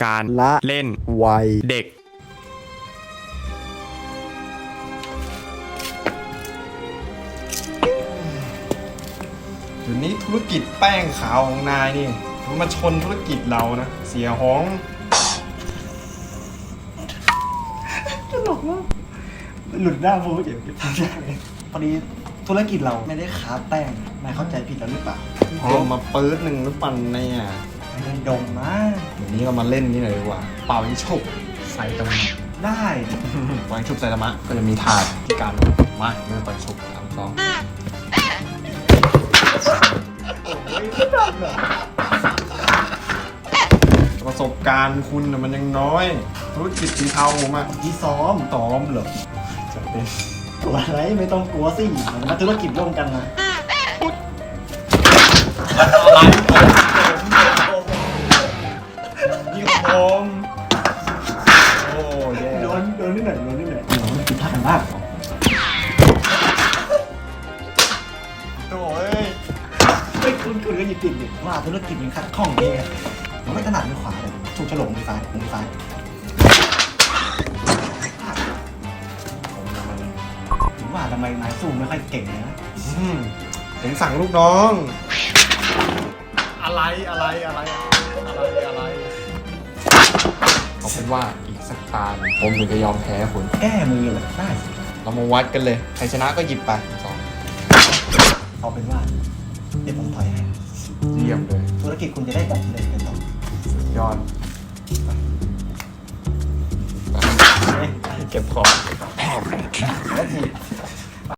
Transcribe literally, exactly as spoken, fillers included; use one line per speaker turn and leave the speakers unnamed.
การ
ละ
เล่น
วัย
เด็กเดี๋ยวนี้ธุรกิจแป้งขาวของนายนี่มันมาชนธุรกิจเรานะเสียห้อง
ตลกมากหลุดหน้าพูดอย่างที่ทำได้พอดีธุรกิจเราไม่ได้ค้าแป้งนายเข้าใจผิดแล้วหรือเปล่า
ดมมาปื๊ดหนึ่งหรือปั่นเนี่ย
ไม่ได้ดมนะ
เดี๋ยวนี้ก็มาเล่นนี่หน่อยดีกว่าเป่ายิงฉุบใส่ตะมะ
ได้
วางฉุบใส่ตะมะก็จะมีถาดที่การมาเมื่อต่อยฉุบสามสองประสบการณ์คุณน่ะมันยังน้อยธุรกิจสีเทาผมอะ
ที่ซ้อม
ซ้อมเหรอจะเป็น
กลัวอะไรไม่ต้องกลัวสิมันมาธุรกิจร่วมกันนะ
อะไรยิงผมโอ้แย่
โดนโดนนิดหน่อยโดนนิดหน่อยโดนผิดพลาดกันมาก
โถ่เอ้ย
ไม่คุณคุณก็หยิบติดดิว่าธุรกิจมันขัดข้องนี่ไงมันไม่ถนัดมือขวาเลยถูกฉลกมือซ้ายมือซ้าย
ผมทำมัน
ถึงว่าทำไมนายสู้ไม่ค่อยเก่งนะ
อืมผมสั่งลูกน้อง อะไรอะไรอะไรอะไรอะไรเอาเป็นว่าอีกสักตาหนึ่งผมถึงจะยอมแพ้คุณ
แก้มือเลยได้สิ
เรามาวัดกันเลยใครชนะก็หยิบไปสอง
เอาเป็นว่าเดี๋ยวผมถอยให้
เยี่ยมเลย
ธุรกิจคุณจะได้แบบเลยเป็นต่อย
อด
เฮ้ย
เก็บของ
แล้วที